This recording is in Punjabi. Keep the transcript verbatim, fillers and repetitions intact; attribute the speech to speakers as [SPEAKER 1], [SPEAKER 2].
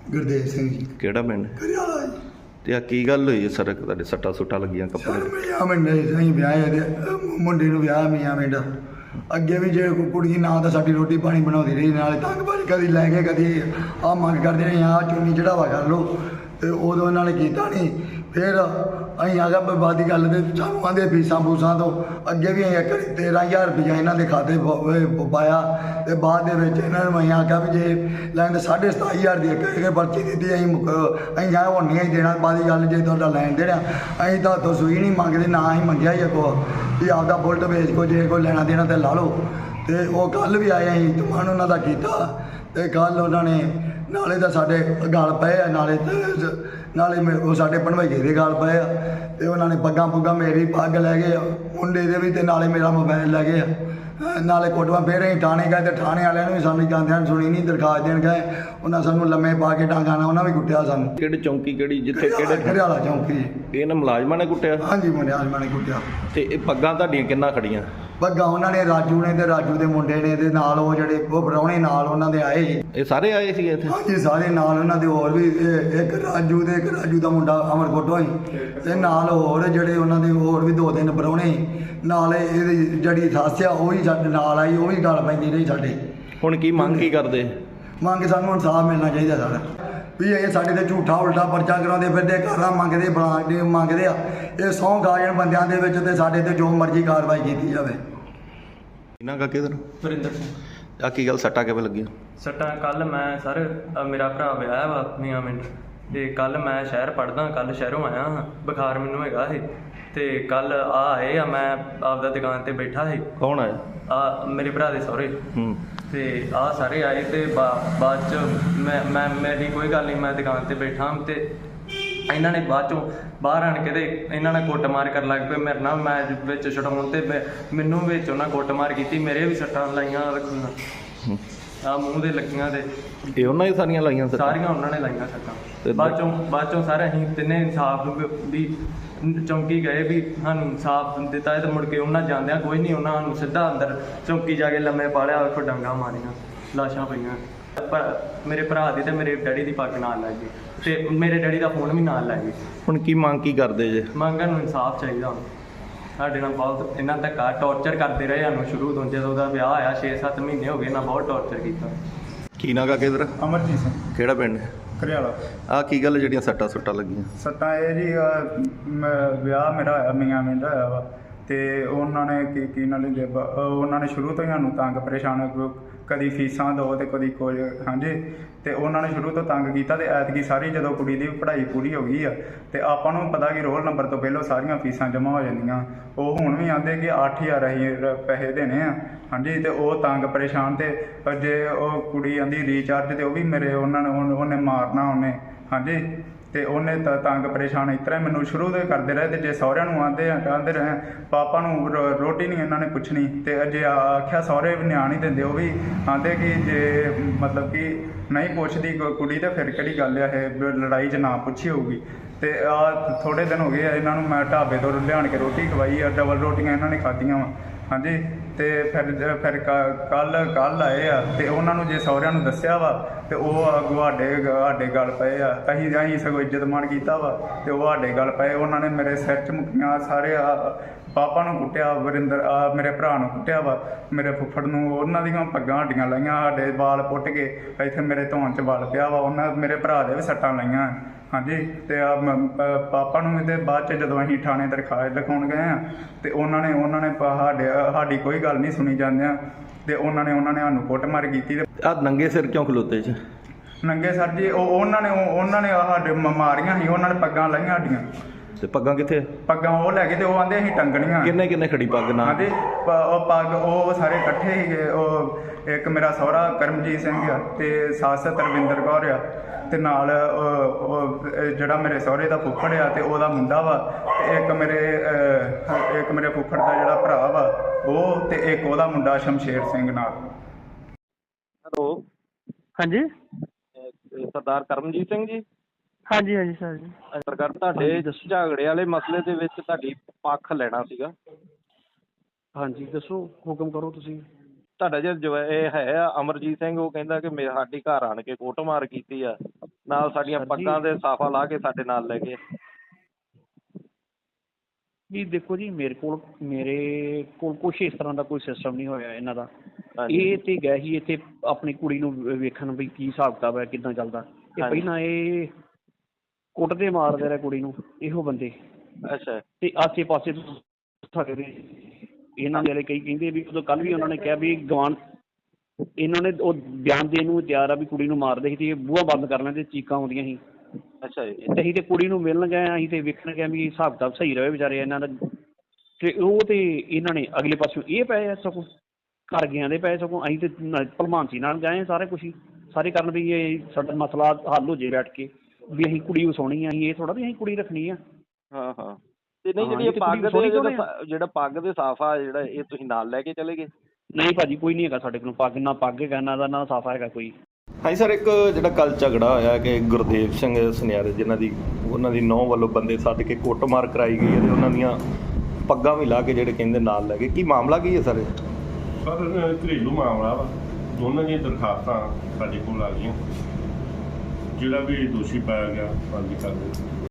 [SPEAKER 1] ਗੁਰਦੇਵ ਸਿੰਘ ਜੀ।
[SPEAKER 2] ਕਿਹੜਾ ਪਿੰਡ?
[SPEAKER 1] ਕਰਿਆਲਾ ਜੀ।
[SPEAKER 2] ਤੇ ਆ ਕੀ ਗੱਲ ਹੋਈ ਸੜਕ ਤੁਹਾਡੇ ਸੱਟਾਂ ਸੁੱਟਾਂ ਲੱਗੀਆਂ ਕੱਪੜੇ ਤੇ?
[SPEAKER 1] ਮੀਆਂ ਮਿੰਡਾ ਅਸੀਂ ਵਿਆਹ ਇਹਦੇ ਮੁੰਡੇ ਨੂੰ ਵਿਆਹ ਮੀਆਂ ਮਿੰਡਾ। ਅੱਗੇ ਵੀ ਜੇ ਕੋਈ ਕੁੜੀ ਨਾ ਤਾਂ ਸਾਡੀ ਰੋਟੀ ਪਾਣੀ ਬਣਾਉਂਦੀ ਰਹੀ, ਨਾਲੇ ਤੰਗ ਬਾਜੀ ਕਦੀ ਲੈ ਕੇ ਕਦੀ ਆਹ ਮੰਗ ਕਰਦੇ ਰਹੇ ਆਹ ਚੁੰਨੀ ਚੜਾਵਾ ਕਰ ਲਓ, ਤੇ ਉਦੋਂ ਇਹਨਾਂ ਨੇ ਕੀਤਾ ਨਹੀਂ। ਫਿਰ ਅਸੀਂ ਆ ਗਿਆ ਬਾਦੀ ਗੱਲ ਤੇ ਸਾਨੂੰ ਆਂਦੇ ਫੀਸਾਂ ਫੂਸਾਂ ਤੋਂ ਅੱਗੇ ਵੀ ਅਸੀਂ ਇੱਕ ਤੇਰ੍ਹਾਂ ਹਜ਼ਾਰ ਰੁਪਈਆ ਇਹਨਾਂ ਦੇ ਖਾਤੇ ਪ- ਪਾਇਆ, ਤੇ ਬਾਅਦ ਦੇ ਵਿੱਚ ਇਹਨਾਂ ਨੂੰ ਅਸੀਂ ਆਖਿਆ ਵੀ ਜੇ ਲੈਣ ਸਾਢੇ ਸਤਾਈ ਹਜ਼ਾਰ ਦੀ ਇੱਕ ਇੱਕ ਪਰਚੀ ਦਿੱਤੀ, ਅਸੀਂ ਮੁੱਕ ਅਸੀਂ ਆ ਹੁਣ ਨਹੀਂ ਦੇਣਾ। ਬਾਦੀ ਗੱਲ ਜੇ ਤੁਹਾਡਾ ਲੈਣ ਦੇਣਾ ਅਸੀਂ ਤਾਂ ਤੋਂ ਸੂਈ ਨਹੀਂ ਮੰਗਦੇ, ਨਾ ਅਸੀਂ ਮੰਗਿਆ ਹੀ ਅੱਗੋਂ ਵੀ ਆਪਦਾ ਬੁਲਟ ਵੇਚ ਕੋ ਜੇ ਕੋਈ ਲੈਣਾ ਦੇਣਾ ਤੇ ਲਾ ਲਓ। ਤੇ ਉਹ ਕੱਲ੍ਹ ਵੀ ਆਏ ਅਸੀਂ ਤੁਮਾਨ ਉਹਨਾਂ ਦਾ ਕੀਤਾ, ਤੇ ਕੱਲ੍ਹ ਉਹਨਾਂ ਨੇ ਨਾਲੇ ਤਾਂ ਸਾਡੇ ਗਲ ਪਏ ਆ, ਨਾਲੇ ਤੇ ਨਾਲੇ ਮੇ- ਉਹ ਸਾਡੇ ਭਣਵਈਏ ਦੇ ਗਲ ਪਏ ਆ, ਤੇ ਉਹਨਾਂ ਨੇ ਪੱਗਾਂ ਪੁੱਗਾਂ ਮੇਰੀ ਪੱਗ ਲੈ ਗਏ ਆ, ਮੁੰਡੇ ਦੇ ਵੀ, ਤੇ ਨਾਲੇ ਮੇਰਾ ਮੋਬਾਈਲ ਲੈ ਗਏ ਆ, ਅਹ ਨਾਲੇ ਕੋਟਵਾ। ਫਿਰ ਅਸੀਂ ਥਾਣੇ ਗਏ ਤੇ ਥਾਣੇ ਵਾਲਿਆਂ ਨੂੰ ਵੀ ਸਾਨੂੰ ਜਾਂਦਿਆਂ ਨੂੰ ਸੁਣੀ ਨਹੀਂ, ਦਰਖਾਸਤ ਦੇਣ ਗਏ, ਉਹਨਾਂ ਸਾਨੂੰ ਲੰਮੇ ਪਾ ਕੇ ਡਾਂਗਾਂ ਨਾਲ ਉਹਨਾਂ ਵੀ ਕੁੱਟਿਆ ਸਾਨੂੰ।
[SPEAKER 2] ਕਿਹੜੀ ਚੌਂਕੀ ਕਿਹੜੀ ਜਿੱਥੇ ਕਿਹੜੇ
[SPEAKER 1] ਘਰਿਆਲਾ ਚੌਂਕੀ।
[SPEAKER 2] ਇਹਨਾਂ ਮੁਲਾਜ਼ਮਾਂ ਨੇ ਕੁੱਟਿਆ?
[SPEAKER 1] ਹਾਂਜੀ ਮੁੰਡਿਆਂ ਨੇ ਕੁੱਟਿਆ।
[SPEAKER 2] ਤੇ ਇਹ ਪੱਗਾਂ ਤੁਹਾਡੀਆਂ ਕਿੰਨਾ ਖੜੀਆਂ?
[SPEAKER 1] ਪੱਗਾਂ ਉਹਨਾਂ ਨੇ ਰਾਜੂ ਨੇ ਤੇ ਰਾਜੂ ਦੇ ਮੁੰਡੇ ਨੇ, ਤੇ ਨਾਲ ਉਹ ਜਿਹੜੇ ਉਹ ਪ੍ਰਾਹੁਣੇ ਨਾਲ ਉਹਨਾਂ ਦੇ ਆਏ ਸੀ।
[SPEAKER 2] ਇਹ ਸਾਰੇ ਆਏ ਸੀ ਇੱਥੇ?
[SPEAKER 1] ਹਾਂਜੀ ਸਾਰੇ ਨਾਲ ਉਹਨਾਂ ਦੇ ਹੋਰ ਵੀ ਇਹ ਇੱਕ ਰਾਜੂ ਦੇ ਇੱਕ ਰਾਜੂ ਦਾ ਮੁੰਡਾ ਅਮਰਕੋਟੋਂ ਹੀ, ਤੇ ਨਾਲ ਹੋਰ ਜਿਹੜੇ ਉਹਨਾਂ ਦੇ ਹੋਰ ਵੀ ਦੋ ਤਿੰਨ ਪ੍ਰਾਹੁਣੇ ਸੀ। ਨਾਲ ਇਹਦੀ ਜਿਹੜੀ ਸੱਸ ਆ ਉਹ ਵੀ ਸਾਡੇ ਨਾਲ ਆਈ, ਉਹ ਵੀ ਗੱਲ ਪੈਂਦੀ ਰਹੀ ਸਾਡੇ।
[SPEAKER 2] ਹੁਣ ਕੀ ਮੰਗ ਕੀ ਕਰਦੇ?
[SPEAKER 1] ਮੰਗ ਸਾਨੂੰ ਇਨਸਾਫ ਮਿਲਣਾ ਚਾਹੀਦਾ ਸਾਡਾ, ਵੀ ਇਹ ਸਾਡੇ ਤੇ ਝੂਠਾ ਉਲਟਾ ਪਰਚਾ ਕਰਾਉਂਦੇ ਫਿਰਦੇ, ਘਰਾਂ ਮੰਗਦੇ ਬਲਾਂਡੇ ਮੰਗਦੇ ਆ। ਇਹ ਸਹੁੰ ਖਾ ਜਾਣ ਬੰਦਿਆਂ ਦੇ ਵਿੱਚ, ਤੇ ਸਾਡੇ ਤੇ ਜੋ ਮਰਜ਼ੀ ਕਾਰਵਾਈ ਕੀਤੀ ਜਾਵੇ।
[SPEAKER 2] ਇਹਨਾਂ ਕਾ ਕਿਧਰ?
[SPEAKER 3] ਵਰਿੰਦਰ ਸਿੰਘ।
[SPEAKER 2] ਆ ਕੀ ਗੱਲ ਸੱਟਾਂ ਕਿਵੇਂ ਲੱਗੀਆਂ?
[SPEAKER 3] ਸੱਟਾਂ ਕੱਲ ਮੈਂ ਸਰ ਅ, ਮੇਰਾ ਭਰਾ ਵਿਆਹ ਵਾ ਮੀਆਂ ਮਿੰਟ, ਤੇ ਕੱਲ ਮੈਂ ਸ਼ਹਿਰ ਪੜਦਾ, ਕੱਲ ਸ਼ਹਿਰੋਂ ਆਇਆ ਹਾਂ, ਬੁਖਾਰ ਮੈਨੂੰ ਹੈਗਾ ਸੀ, ਤੇ ਕੱਲ ਆ ਆਏ ਆ, ਮੈਂ ਆਪਦਾ ਦੁਕਾਨ ਤੇ ਬੈਠਾ ਸੀ।
[SPEAKER 2] ਕੌਣ ਆਇਆ?
[SPEAKER 3] ਆ ਮੇਰੇ ਭਰਾ ਦੇ ਸਹੁਰੇ,
[SPEAKER 2] ਹੂੰ।
[SPEAKER 3] ਤੇ ਆ ਸਾਰੇ ਆਏ, ਤੇ ਬਾ- ਬਾਅਦ ਚ ਮੈਂ ਮੈਂ ਮੇਰੀ ਕੋਈ ਗੱਲ ਨਹੀਂ, ਮੈਂ ਦੁਕਾਨ ਤੇ ਬੈਠਾ, ਤੇ ਇਹਨਾਂ ਨੇ ਬਾਅਦ ਚੋਂ ਬਾਹਰ ਆਣ ਕੇ ਤੇ ਇਹਨਾਂ ਨੇ ਕੁੱਟਮਾਰ ਕਰਨ ਲੱਗ ਪਏ ਮੇਰੇ ਨਾਲ। ਮੈਂ ਵਿੱਚ ਛਡਾਉਣ ਤੇ ਮੈਂ- ਮੈਨੂੰ ਵਿੱਚ ਉਹਨਾਂ ਕੁੱਟਮਾਰ ਕੀਤੀ, ਮੇਰੇ ਵੀ ਸੱਟਾਂ ਲਾਈਆਂ ਰੱਖੀਆਂ ਆ ਮੂੰਹ ਦੇ ਲੱਗੀਆਂ, ਤੇ
[SPEAKER 2] ਇਹ ਉਹਨਾਂ ਹੀ ਸਾਰੀਆਂ ਲਾਈਆਂ ਸੱਟਾਂ?
[SPEAKER 3] ਸਾਰੀਆਂ ਉਹਨਾਂ ਨੇ ਲਾਈਆਂ ਸੱਟਾਂ।
[SPEAKER 2] ਤੇ
[SPEAKER 3] ਬਾਅਦ ਚੋਂ ਬਾਅਦ ਚੋਂ ਸਾਰੇ ਅਸੀਂ ਤਿੰਨੇ ਇਨਸਾਫ ਵੀ ਚੌਂਕੀ ਗਏ, ਵੀ ਸਾਨੂੰ ਇਨਸਾਫ ਦਿੱਤਾ ਹੈ, ਤੇ ਮੁੜ ਕੇ ਉਹਨਾਂ ਜਾਂਦਿਆਂ ਕੋਈ ਨਹੀਂ, ਉਹਨਾਂ ਨੂੰ ਸਿੱਧਾ ਅੰਦਰ ਚੌਂਕੀ ਜਾ ਕੇ ਲੰਮੇ ਪਾ ਲਿਆ, ਉੱਥੋਂ ਡਾਂਗਾਂ ਮਾਰੀਆਂ, ਲਾਸ਼ਾਂ ਪਈਆਂ। ਪਰ ਮੇਰੇ ਭਰਾ ਦੀ ਤੇ ਮੇਰੇ ਡੈਡੀ ਦੀ ਪੱਗ ਨਾਲ ਲੱਗ ਗਈ, ਤੇ ਮੇਰੇ ਡੈਡੀ ਦਾ ਫੋਨ ਵੀ ਨਾਲ ਲੈ ਗਏ।
[SPEAKER 2] ਹੁਣ ਕੀ ਮੰਗ ਕੀ ਕਰਦੇ ਜੇ?
[SPEAKER 3] ਮੰਗਣ ਨੂੰ ਇਨਸਾਫ ਚਾਹੀਦਾ ਹੁਣ। ਸਾਡੇ ਨਾਲ ਬਹੁਤ ਇਹਨਾਂ ਧੱਕਾ ਟੌਰਚਰ ਕਰਦੇ ਰਹੇ ਸਾਨੂੰ ਸ਼ੁਰੂ ਤੋਂ, ਜਦੋਂ ਉਹਦਾ ਵਿਆਹ ਆਇਆ ਛੇ ਸੱਤ ਮਹੀਨੇ ਹੋ ਗਏ, ਇਹਨਾਂ ਬਹੁਤ ਟੌਰਚਰ ਕੀਤਾ।
[SPEAKER 2] ਕੀ ਨਾਗਾ ਕਿਧਰ?
[SPEAKER 4] ਅਮਰਜੀਤ ਸਿੰਘ।
[SPEAKER 2] ਕਿਹੜਾ ਪਿੰਡ?
[SPEAKER 4] ਘਰਿਆਲਾ।
[SPEAKER 2] ਆ ਕੀ ਗੱਲ ਜਿਹੜੀਆਂ ਸੱਟਾਂ ਸੁੱਟਾਂ ਲੱਗੀਆਂ?
[SPEAKER 4] ਸੱਟਾਂ ਇਹ ਜੀ ਅਹ, ਮ- ਵਿਆਹ ਮੇਰਾ ਹੋਇਆ ਮੀਆਂ ਮਿੰਦਾ ਹੋਇਆ ਵਾ, ਤੇ ਉਹਨਾਂ ਨੇ ਕੀ ਕੀ ਨਾਲ ਹੀ ਦੇ- ਅਹ, ਉਹਨਾਂ ਨੇ ਸ਼ੁਰੂ ਤੋਂ ਹੀ ਸਾਨੂੰ ਤੰਗ ਪਰੇਸ਼ਾਨ, ਕਦੀ ਫੀਸਾਂ ਦਿਓ ਤੇ ਕਦੀ ਕੁਝ, ਹਾਂਜੀ। ਤੇ ਉਹਨਾਂ ਨੇ ਸ਼ੁਰੂ ਤੋਂ ਤੰਗ ਕੀਤਾ, ਤੇ ਐਤਕੀ ਸਾਰੀ ਜਦੋਂ ਕੁੜੀ ਦੀ ਪੜ੍ਹਾਈ ਪੂਰੀ ਹੋ ਗਈ ਆ, ਤੇ ਆਪਾਂ ਨੂੰ ਪਤਾ ਕਿ ਰੋਲ ਨੰਬਰ ਤੋਂ ਪਹਿਲਾਂ ਸਾਰੀਆਂ ਫੀਸਾਂ ਜਮ੍ਹਾਂ ਹੋ ਜਾਂਦੀਆਂ। ਉਹ ਹੁਣ ਵੀ ਆਂਦੇ ਕਿ ਅੱਠ ਹਜ਼ਾਰ ਅਸੀਂ ਰ- ਪੈਸੇ ਦੇਣੇ ਆ, ਹਾਂਜੀ। ਤੇ ਉਹ ਤੰਗ ਪਰੇਸ਼ਾਨ, ਤੇ ਜੇ ਉਹ ਕੁੜੀ ਆਂਦੀ ਰੀਚਾਰਜ, ਤੇ ਉਹ ਵੀ ਮੇਰੇ ਉਹਨਾਂ ਨੇ ਉਹਨ- ਉਹਨੇ ਮਾਰਨਾ ਉਹਨੇ, ਹਾਂਜੀ। ਤੇ ਉਹਨੇ ਤਾਂ ਤੰਗ ਪਰੇਸ਼ਾਨ ਇਸ ਤਰ੍ਹਾਂ ਮੈਨੂੰ ਸ਼ੁਰੂ ਤੋਂ ਹੀ ਕਰਦੇ ਰਹੇ। ਤੇ ਜੇ ਸਹੁਰਿਆਂ ਨੂੰ ਆਂਦੇ ਆ ਕਹਿੰਦੇ ਰਹੇ ਪਾਪਾ ਨੂੰ ਰੋ- ਰੋਟੀ ਨਹੀਂ ਇਹਨਾਂ ਨੇ ਪੁੱਛਣੀ, ਤੇ ਜੇ ਆਖਿਆ ਸਹੁਰੇ ਵੀ ਨਿਆਣ ਨਹੀਂ ਦਿੰਦੇ, ਉਹ ਵੀ ਆਂਦੇ ਕਿ ਜੇ ਮਤਲਬ ਕਿ ਨਹੀਂ ਪੁੱਛਦੀ ਕੋ- ਕੁੜੀ, ਤਾਂ ਫਿਰ ਕਿਹੜੀ ਗੱਲ ਆ ਇਹ ਵੀ ਲੜਾਈ 'ਚ ਨਾ ਪੁੱਛੀ ਹੋਊਗੀ। ਤੇ ਆ ਥੋੜ੍ਹੇ ਦਿਨ ਹੋ ਗਏ ਆ ਇਹਨਾਂ ਨੂੰ ਮੈਂ ਢਾਬੇ ਤੋਂ ਲਿਆਣ ਕੇ ਰੋਟੀ ਖਵਾਈ ਆ, ਡਬਲ ਰੋਟੀਆਂ ਇਹਨਾਂ ਨੇ ਖਾਧੀਆਂ ਵਾ, ਹਾਂਜੀ। ਤੇ ਫਿਰ ਫਿਰ ਕੱਲ ਕੱਲ ਆਏ ਆ, ਤੇ ਉਹਨਾਂ ਨੂੰ ਜੇ ਸਹੁਰਿਆਂ ਨੂੰ ਦੱਸਿਆ ਵਾ, ਤੇ ਉਹ ਅੱਗੋਂ ਸਾਡੇ ਸਾਡੇ ਗੱਲ ਪਏ ਆ। ਅਸੀਂ ਅਸੀਂ ਸਗੋਂ ਇੱਜ਼ਤ ਮਾਣ ਕੀਤਾ ਵਾ, ਤੇ ਉਹ ਸਾਡੇ ਗੱਲ ਪਏ। ਉਹਨਾਂ ਨੇ ਮੇਰੇ ਸਿਰ 'ਚ ਮੁੱਕੀਆਂ, ਸਾਰੇ ਆ ਪਾਪਾ ਨੂੰ ਕੁੱਟਿਆ, ਵਰਿੰਦਰ ਆ ਮੇਰੇ ਭਰਾ ਨੂੰ ਕੁੱਟਿਆ ਵਾ, ਮੇਰੇ ਫੁੱਫੜ ਨੂੰ, ਉਹਨਾਂ ਦੀਆਂ ਪੱਗਾਂ ਹੱਡੀਆਂ ਲਾਈਆਂ, ਸਾਡੇ ਵਾਲ ਪੁੱਟ ਕੇ ਇੱਥੇ ਮੇਰੇ ਧੌਣ 'ਚ ਵਲ ਪਿਆ ਵਾ, ਉਹਨਾਂ ਮੇਰੇ ਭਰਾ ਦੇ ਵੀ ਸੱਟਾਂ ਲਾਈਆਂ, ਹਾਂਜੀ। ਤੇ ਆ ਪਾਪਾ ਨੂੰ ਇਹਦੇ ਬਾਅਦ 'ਚ ਜਦੋਂ ਅਸੀਂ ਥਾਣੇ ਦਰਖਾਸਤ ਲਿਖਾਉਣ ਗਏ ਆ, ਤੇ ਉਹਨਾਂ ਨੇ ਉਹਨਾਂ ਨੇ ਸਾਡੇ ਸਾਡੀ ਕੋਈ ਗੱਲ ਨਹੀਂ ਸੁਣੀ ਜਾਂਦਿਆਂ, ਤੇ ਉਹਨਾਂ ਨੇ ਉਹਨਾਂ ਨੇ ਸਾਨੂੰ ਕੁੱਟਮਾਰ ਕੀਤੀ। ਤੇ
[SPEAKER 2] ਆ ਨੰਗੇ ਸਿਰ ਕਿਉਂ ਖਲੋਤੇ ਚ?
[SPEAKER 4] ਨੰਗੇ ਸਰ ਜੀ ਉਹ ਉਹਨਾਂ ਨੇ ਉਹਨਾਂ ਨੇ ਸਾਡੇ ਮਾਰੀਆਂ ਸੀ, ਉਹਨਾਂ ਨੇ ਪੱਗਾਂ ਲਾਈਆਂ ਸਾਡੀਆਂ।
[SPEAKER 2] ਤੇ ਪੱਗਾਂ ਕਿੱਥੇ?
[SPEAKER 4] ਪੱਗਾਂ ਉਹ ਲੈ ਗਏ, ਤੇ ਉਹ ਆਂਦੇ ਅਸੀਂ ਟੰਗਣੀਆਂ।
[SPEAKER 2] ਕਿੰਨੇ ਕਿੰਨੇ ਖੜੀ ਪੱਗ ਨਾਲ?
[SPEAKER 4] ਹਾਂਜੀ ਪ- ਉਹ ਪੱਗ ਉਹ ਸਾਰੇ ਇਕੱਠੇ ਸੀਗੇ। ਉਹ ਇੱਕ ਮੇਰਾ ਸਹੁਰਾ ਕਰਮਜੀਤ ਸਿੰਘ ਆ, ਤੇ ਸੱਸ ਤਰਵਿੰਦਰ ਕੌਰ ਆ, ਤੇ ਨਾਲ ਉਹ ਉਹ ਜਿਹੜਾ ਮੇਰੇ ਸਹੁਰੇ ਦਾ ਫੁੱਫੜ ਆ, ਤੇ ਉਹਦਾ ਮੁੰਡਾ ਵਾ, ਤੇ ਇੱਕ ਮੇਰੇ ਅਹ, ਇੱਕ ਮੇਰੇ ਫੁੱਫੜ ਦਾ ਜਿਹੜਾ ਭਰਾ ਵਾ ਉਹ, ਤੇ ਇੱਕ ਉਹਦਾ ਮੁੰਡਾ ਸ਼ਮਸ਼ੇਰ ਸਿੰਘ ਨਾਲ।
[SPEAKER 2] ਹੈਲੋ,
[SPEAKER 5] ਹਾਂਜੀ
[SPEAKER 2] ਸਰਦਾਰ ਕਰਮਜੀਤ ਸਿੰਘ ਜੀ।
[SPEAKER 5] ਹਾਂਜੀ ਹਾਂਜੀ ਸਰ ਜੀ।
[SPEAKER 2] ਸਰਕਾਰ ਤੁਹਾਡੇ ਝਗੜੇ ਵਾਲੇ ਮਸਲੇ ਦੇ ਵਿੱਚ ਤੁਹਾਡੀ ਪੱਖ ਲੈਣਾ ਸੀਗਾ।
[SPEAKER 5] ਹਾਂਜੀ ਦੱਸੋ, ਹੁਕਮ ਕਰੋ ਤੁਸੀਂ।
[SPEAKER 6] ਤੁਹਾਡਾ ਜਿਹੜਾ ਜੋ ਇਹ ਹੈ ਆ ਅਮਰਜੀਤ ਸਿੰਘ, ਉਹ ਕਹਿੰਦਾ ਕਿ ਮੇਰੇ ਸਾਡੀ ਘਰ ਆਣ ਕੇ ਕੁੱਟਮਾਰ ਕੀਤੀ ਆ, ਨਾਲ ਸਾਡੀਆਂ
[SPEAKER 7] ਸਰ ਜੀ-
[SPEAKER 6] ਪੱਗਾਂ ਦੇ ਸਾਫਾ ਲਾ ਕੇ ਸਾਡੇ ਨਾਲ ਲੈ ਗਏ।
[SPEAKER 7] ਜੀ ਦੇਖੋ ਜੀ, ਮੇਰੇ ਕੋਲ ਮੇਰੇ ਕੋਲ ਕੁਛ ਇਸ ਤਰ੍ਹਾਂ ਦਾ ਕੋਈ ਸਿਸਟਮ ਨਹੀਂ ਹੋਇਆ ਇਹਨਾਂ ਦਾ।
[SPEAKER 6] ਹਾਂਜੀ।
[SPEAKER 7] ਇਹ ਤੇ ਗਏ ਸੀ ਇੱਥੇ ਆਪਣੀ ਕੁੜੀ ਨੂੰ ਵੇ- ਵੇਖਣ ਵੀ ਕੀ ਹਿਸਾਬ ਕਿਤਾਬ ਹੈ, ਕਿੱਦਾਂ ਚੱਲਦਾ। ਤੇ
[SPEAKER 6] ਹਾਂਜੀ।
[SPEAKER 7] ਪਹਿਲਾਂ ਇਹ ਕੁੱਟਦੇ ਮਾਰਦੇ ਰਹੇ ਕੁੜੀ ਨੂੰ ਇਹੋ ਬੰਦੇ,
[SPEAKER 6] ਅੱਛਾ
[SPEAKER 7] ਤੇ ਆਸੇ ਪਾਸੇ ਸਾਡੇ ਦੇ ਇਹਨਾਂ ਦੇ ਵਾਲੇ ਕਈ ਕਹਿੰਦੇ ਵੀ ਉਦੋਂ ਕੱਲ੍ਹ ਵੀ ਉਹਨਾਂ ਨੇ ਕਿਹਾ ਵੀ ਗਵਾਨ ਇਹਨਾਂ ਨੇ ਉਹ ਬਿਆਨ ਦੇਣ ਨੂੰ ਤਿਆਰ ਆ ਵੀ ਕੁੜੀ ਨੂੰ ਮਾਰਦੇ ਸੀ ਤੇ ਇਹ ਬੂਹਾ ਬੰਦ ਕਰ ਲੈਂਦੇ, ਚੀਕਾਂ ਆਉਂਦੀਆਂ ਸੀ।
[SPEAKER 6] ਅੱਛਾ ਜੀ।
[SPEAKER 7] ਤੇ ਅਸੀਂ ਤੇ ਕੁੜੀ ਨੂੰ ਮਿਲਣ ਗਏ, ਅਸੀਂ ਤੇ ਵੇਖਣ ਗਏ ਵੀ ਹਿਸਾਬ ਕਿਤਾਬ ਸਹੀ ਰਹੇ ਵਿਚਾਰੇ ਇਹਨਾਂ ਦਾ। ਤੇ ਉਹ ਤੇ ਇਹਨਾਂ ਨੇ ਅਗਲੇ ਪਾਸਿਓਂ ਇਹ ਪਏ ਆ ਸਗੋਂ ਘਰ ਗਿਆ ਦੇ ਪਏ ਸਗੋਂ। ਅਸੀਂ ਤੇ ਨ- ਭਲਮਾਨਸੀ ਨਾਲ ਗਏ ਸਾਰੇ ਕੁਛ ਹੀ ਸਾਰੇ ਕਰਨ ਵੀ ਇਹ ਸਾਡਾ ਮਸਲਾ ਹੱਲ ਹੋ ਜੇ ਬੈਠ ਕੇ, ਵੀ ਅਸੀਂ ਕੁੜੀ ਵਸਾਉਣੀ ਆ, ਅਸੀਂ ਇਹ ਥੋੜਾ ਵੀ ਅਸੀਂ ਕੁੜੀ ਰੱਖਣੀ ਆ।
[SPEAKER 6] ਹਾਂ ਹਾਂ। ਤੇ ਨਹੀਂ
[SPEAKER 7] ਹਾਂ,
[SPEAKER 6] ਜਿਹੜੀ
[SPEAKER 7] ਇਹ
[SPEAKER 6] ਇਹ
[SPEAKER 7] ਤੇ
[SPEAKER 6] ਪੱਗ
[SPEAKER 7] ਕੁੜੀ
[SPEAKER 6] ਦੇ
[SPEAKER 7] ਸੋਹਣੀ
[SPEAKER 6] ਜਿਹੜਾ
[SPEAKER 7] ਸੋਹਣੀ ਆ।
[SPEAKER 6] ਸਾ- ਜਿਹੜਾ ਪੱਗ ਦੇ ਸਾਫਾ ਜਿਹੜਾ ਇਹ ਤੁਸੀਂ ਨਾਲ ਲੈ ਕੇ ਚਲੇ ਗਏ?
[SPEAKER 7] ਨਹੀਂ ਭਾਜੀ, ਕੋਈ ਨਹੀਂ ਹੈਗਾ ਸਾਡੇ ਕੋਲ ਪੱਗ, ਨਾ ਪੱਗ ਹੈਗਾ ਨਾ ਦਾ ਨਾ ਸਾਫਾ ਹੈਗਾ ਕੋਈ।
[SPEAKER 2] ਹਾਂਜੀ ਸਰ, ਇੱਕ ਜਿਹੜਾ ਕੱਲ ਝਗੜਾ ਹੋਇਆ ਕਿ ਗੁਰਦੇਵ ਸਿੰਘ ਸੁਨਿਆਰੇ ਜਿਨ੍ਹਾਂ ਦੀ ਉਹਨਾਂ ਦੀ ਨੌਂ ਵੱਲੋਂ ਬੰਦੇ ਸੱਦ ਕੇ ਕੁੱਟਮਾਰ ਕਰਾਈ ਗਈ ਹੈ ਤੇ ਉਹਨਾਂ ਦੀਆਂ ਪੱਗਾਂ ਵੀ ਲਾ ਕੇ ਜਿਹੜੇ ਕਹਿੰਦੇ ਨਾਲ ਲੈ ਗਏ, ਕੀ ਮਾਮਲਾ ਕੀ ਹੈ ਸਰ?
[SPEAKER 8] ਸਰ ਘਰੇਲੂ ਮਾਮਲਾ ਵਾ, ਦੋਨਾਂ ਦੀਆਂ ਦਰਖਾਸਤਾਂ ਸਾਡੇ ਕੋਲ ਆ ਗਈਆਂ, ਜਿਹੜਾ ਵੀ ਦੋਸ਼ੀ ਪਾਇਆ ਗਿਆ ਬੰਦੀ ਕਰ ਦਿੱਤਾ।